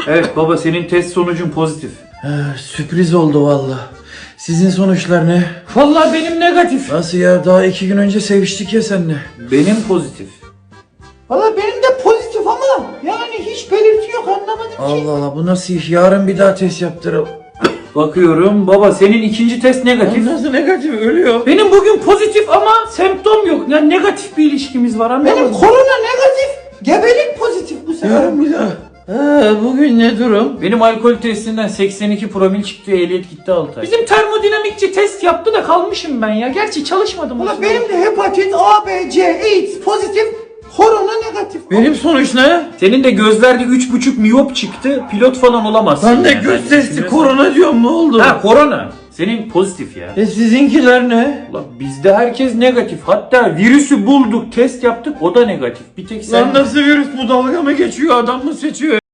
Evet baba, senin test sonucun pozitif. Sürpriz oldu valla. Sizin sonuçlar ne? Vallahi benim negatif. Nasıl ya? Daha 2 gün önce seviştik ya seninle. Benim pozitif. Valla benim de pozitif ama yani hiç belirti yok, anlamadım ki. Allah Allah, bu nasıl iş? Yarın bir daha test yaptıralım. Bakıyorum baba, senin ikinci test negatif. Nasıl negatif? Ölüyor. Benim bugün pozitif ama semptom yok. Yani negatif bir ilişkimiz var, anladın Benim mı? korona negatif, gebelik pozitif bu sefer. Yarın bir daha. Bugün ne durum? Benim alkol testinden 82 promil çıktı, ehliyet gitti 6 ay. Bizim termodinamikçi test yaptı da kalmışım ben ya. Gerçi çalışmadım. Valla benim de hepatit A, B, C, AIDS pozitif, korona negatif. Benim sonuç ne? Senin de gözlerde 3,5 miyop çıktı, pilot falan olamazsın. Ben de yani. göz testi Düşünüyorsan- korona diyorum, ne oldu? Ha, korona. Senin pozitif ya. Sizinkiler ne? Ulan bizde herkes negatif. Hatta virüsü bulduk, test yaptık, o da negatif. Bir tek sen... Lan nasıl virüs bu, dalga mı geçiyor, adam mı seçiyor?